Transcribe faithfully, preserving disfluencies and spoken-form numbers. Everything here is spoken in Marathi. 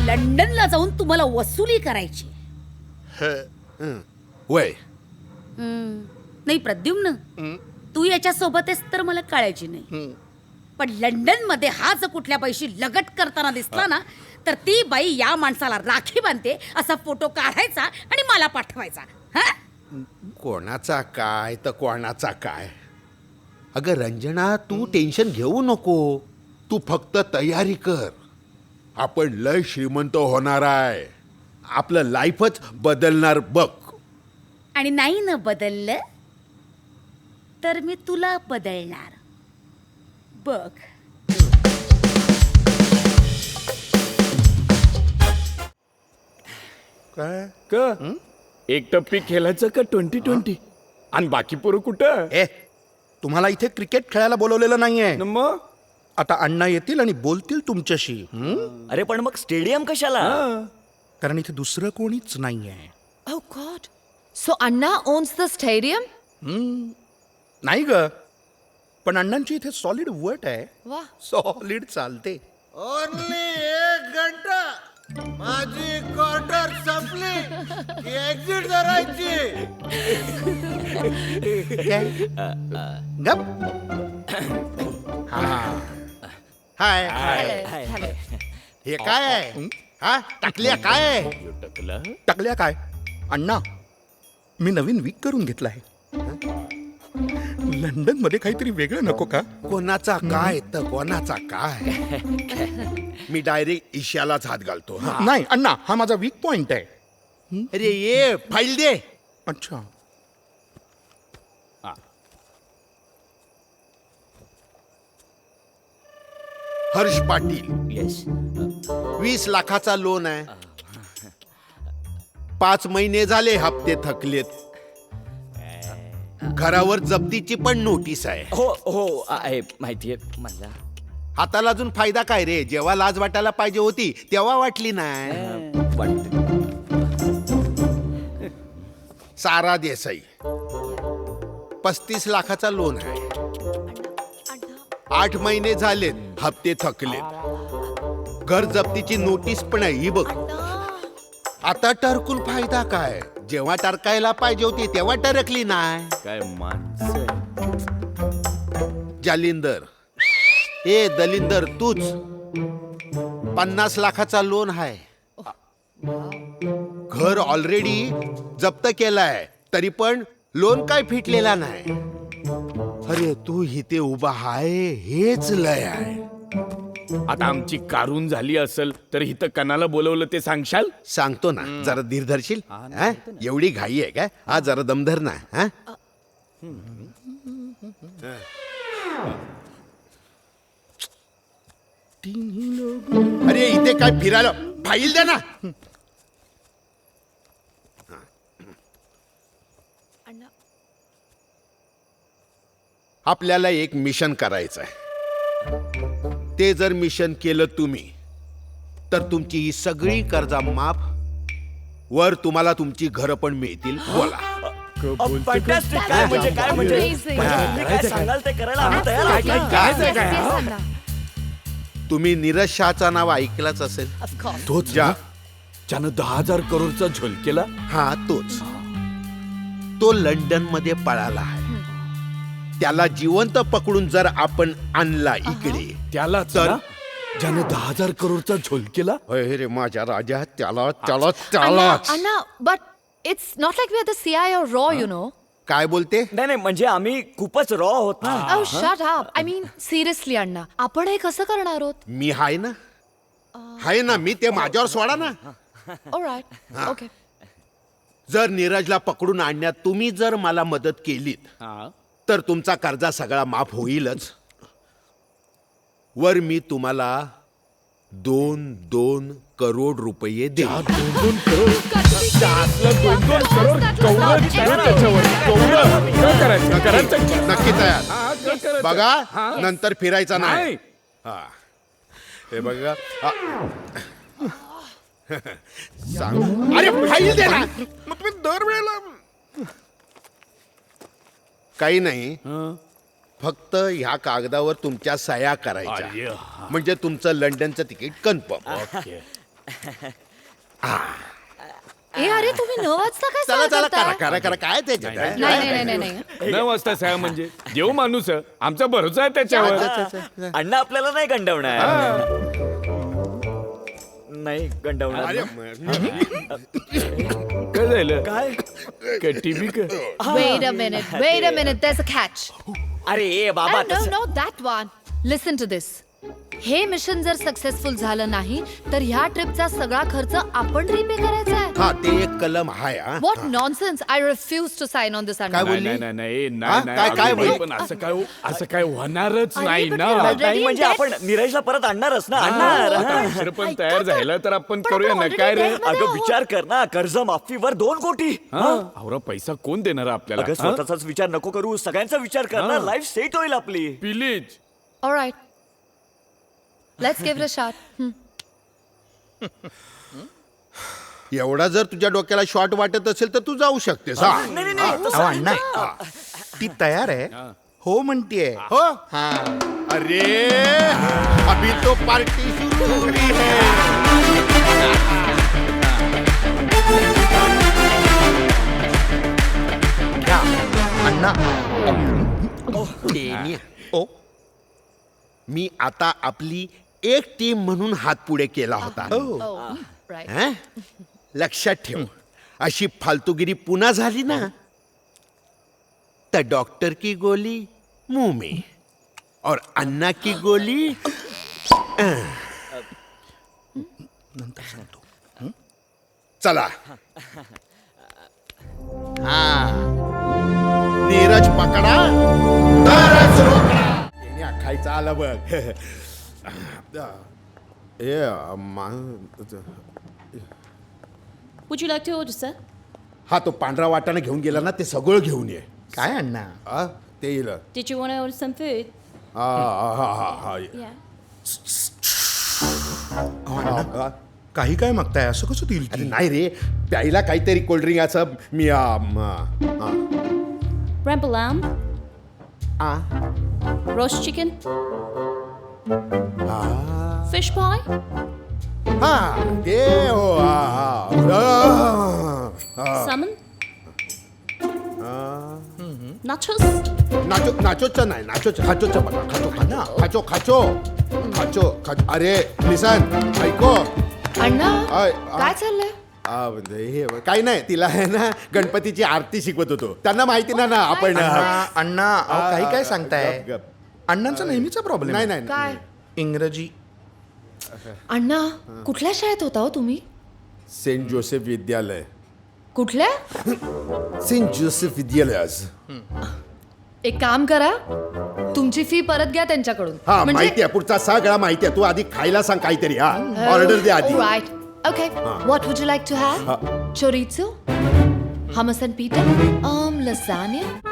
लंडनला जाऊन तुम्हाला वसुली करायची. वय नाही प्रद्युम्न, तू याच्या सोबत आहेस तर मला कळायची नाही. पण लंडन मध्ये हा जर कुठल्या बाईशी लगट करताना दिसला ना, तर ती बाई या माणसाला राखी बांधते असा फोटो काढायचा आणि मला पाठवायचा. हा, कोणाचा काय तर कोणाचा काय. अगं रंजना, तू टेन्शन घेऊ नको. तू फक्त तयारी कर. आपण लय श्रीमंत होणार आहे. आपलं लाईफच बदलणार बघ. आणि नाही ना बदललं तर मी तुला बदलणार बघ. काय क एक टप्पी खेळायचं का ट्वेंटी ट्वेंटी आणि बाकी पोरं कुठं? ए, तुम्हाला इथे क्रिकेट खेळायला बोलवलेलं नाहीये. न मग आता अण्णा येतील आणि बोलतील तुमच्याशी. अरे पण मग स्टेडियम कशाला? कारण इथे दुसरं कोणीच नाहीये. Oh God. So Anna owns the stadium? नाही ग, पण अण्णांची इथे सॉलिड वट आहे. वाह. सॉलिड चालते. ओनली एक घंटा माझी क्वार्टर संपली की एक्झिट करायची. गप. हाय हे काय आहे? हा टाकल्या काय आहे? टकलं टाकल्या काय? अण्णा, मी नवीन वीक करून घेतला आहे. लंडन मध्ये काहीतरी वेगळं नको का? कोणाचा काय तर कोणाचा काय. मी डायरेक्ट ईशालाच हात घालतो. नाही अण्णा, हा माझा वीक पॉइंट आहे. अरे ये फाईल दे. अच्छा. हर्ष पाटील, येस. वीस लाखाचा लोन आहे. पाच महिने झाले हप्ते थकलेत. घरावर जप्तीची पण नोटीस आहे. हो हो आहे माहितीये मला. हाताला अजून फायदा काय रे? जेव्हा लाज वाटायला पाहिजे होती तेव्हा वाटली नाही. वाटते. सारा देसाई, पस्तीस लाखाचा लोन आहे. आठ महिने झालेत हप्ते थकलेत. घर जप्तीची नोटीस पण आहे ही बघ. आता टरकून फायदा काय? जेव्हा टरकायला पाहिजे होती तेव्हा टरकली नाही. काय माणसं. जालिंदर, ए दलिंदर, तूच पन्नास लाखाचा लोन आहे. घर ऑलरेडी जप्त केलाय तरी पण लोन काय फिटलेला नाही. अरे तू इथे उभा आहे हेच लय आहे. आता आमची कारून झाली असेल तर इथं कणाला बोलवलं ते सांगशाल? सांगतो ना, जरा धीर धरशील? हा? एवढी घाई आहे का? हा जरा दमधर ना. हा? अरे इथे काय फिरायला फाईल द्या ना. आपल्याला एक मिशन करायचं आहे. ते जर मिशन केलं तुम्ही तर तुमची ही सगळी कर्जा माफ, वर तुम्हाला तुमची घरं पण मिळतील. बोला. फॅन्टॅस्टिक. काय म्हणजे काय म्हणजे Amazing. तुम्ही काय सांगाल ते करायला आम्ही तयार आहोत. Yes, yes, yes, Anna. तुम्ही नीरज शहाचा नाव ऐकलंच असेल. Of course. तोच ज्या ज्यानं दहा हजार करोडचा झोल केला. हा तोच. तो लंडन मध्ये पळाला आहे. त्याला जिवंत पकडून जर आपण आणला इकडे त्याला तर ज्यानं दहा हजार करोडचा झोल केला. अरे रे माझ्या राजा, त्याला त्याला त्याला Anna, Anna, but it's not like we're the C I or Raw, you know. काय बोलते? नाही नाही म्हणजे आम्ही खूपच रॉ आहोत ना. Oh, shut up. I mean, seriously, Anna. आपण हे कसं करणार आहोत? मी हाय ना, हाय ना मी. ते माझ्यावर सोडा ना. All right. Okay. जर नीरजला पकडून आणण्यात तुम्ही जर मला मदत केलीत तर तुमचा कर्जा सगळा माफ होईलच. वर मी तुम्हाला दोन दोन करोड रुपये देईन. दोन दोन करोड दोन दोन करोड कौरव त्याच्यावर कौरव काय करायचं करायचं नक्की तयार. हा, काय करायचं? बघा हा. नंतर फिरायचा नाही. नाही. हा. हे बघा. हा. सांग. अरे फाईल दे ना. मग तुम्ही दरवेळेला काही नाही, फक्त ह्या कागदावर तुमच्या सह्या करायच्या अरे, म्हणजे तुमचं लंडनचं तिकीट कन्फर्म. ओके. ए अरे तुम्ही न वाजता काय चला सहा चला करा करताय? करा करा काय त्याच्यात आहे? नाही नाही नाही नाही नाही न वाजता सहा म्हणजे देव माणूस आहे. आमचा भरोसा आहे त्याच्यावर अण्णा आपल्याला नाही गंडवणार नाही गंडवणार अरे, ना. म- काय झालं काय काय टीव्ही का Wait a minute, wait a minute, there's a catch. अरे ए बाबा Oh, no, तसं- no, that one. Listen to this. हे मिशन जर सक्सेसफुल झालं नाही तर ह्या ट्रिपचा सगळा खर्च आपण रिपे करायचा आहे. हा ते एक कलम आहे हा. What nonsense! I refuse to sign on this काय undertaking. बोलली? नाही नाही नाही हा? नाही नाही काय- काय अगं बाई, बोलली? पण असं काय असं काय होणारच अरे, नाही but ना we are already- नाही म्हणजे in आपण नीरजला परत आणणारच ना आणणार आता हा. दुसरं पण ऐका तयार तर. झालं तर आपण पण करूया आपण ना already काय रे debt मध्ये अगं आहोत. विचार कर ना कर्ज माफीवर दोन कोटी हा अवरा पैसा कोण देणार आपल्याला अगं हा? स्वतःचाच विचार नको करू सगळ्यांचा विचार कर ना हा. लाईफ सेट होईल आपली please All right. Let's give it a shot. Hmm. एवढा जर तुझ्या डोक्याला शॉर्ट वाटत असेल तर तू जाऊ शकतेस हा नाही नाही नाही तसं अहो अण्णा ती तयार आहे हो म्हणतीये हो अरे अभी तो पार्टी शुरू हो रही है घ्या अण्णा डेनिया. ओ मी आता आपली एक टीम म्हणून हात पुढे केला होता Oh, right. हं? लक्षात ठेव अशी फालतूगिरी पुन्हा झाली ना तर डॉक्टर की गोली मुंह में और अन्ना की गोली अं. नंतर सांगतो चला हा नीरज पकडा तरच रोकडा याने खायचं आलं बघ ए मा- Would you like to order, sir? हा तो पांढरा वाटाणा घेऊन गेला ना ते सगळं घेऊन ये काय अण्णा हा, ते येईल Did you want to order some food? हा, हा, हा, हा, हा. Yeah. अहो अण्णा काही काय मागताय असं कसं देईल अरे ती? नाही रे प्यायला काहीतरी कोल्ड्रिंक असं मी आ, म, आ, Ramble lamb, आ, roast chicken, fish pie, हा ते हो हा, हा. आ, salmon, nachos. नाचो नाचोचं नाही नाचोचं खाचोचं बघा खाचो खाना खाचो खाचो खाचो खाचो अरे लिसन ऐको अण्णा आय, आ. काय चाललंय? आ, म्हणजे हे काही नाही तिला आहे ना गणपतीची आरती शिकवत होतो त्यांना माहिती ना ना आपण अण्णा अण्णा अहो, आ, काही काय आ, सांगताय गप, गप. अण्णांचा नेहमीचा प्रॉब्लेम नाही नाही काय? इंग्रजी अण्णा कुठल्या शाळेत होता हो तुम्ही? सेंट जोसेफ विद्यालय कुठल्या? सेंट जोसेफ विद्यालय एक काम करा तुमची फी परत घ्या त्यांच्याकडून. हा माहिती आहे पुढचा सगळा माहिती आहे तू आधी खायला सांग काहीतरी हा ऑर्डर दे आधी Right. Okay. What would you like to have? Chorizo? Hummus and pita? Um, lasagna?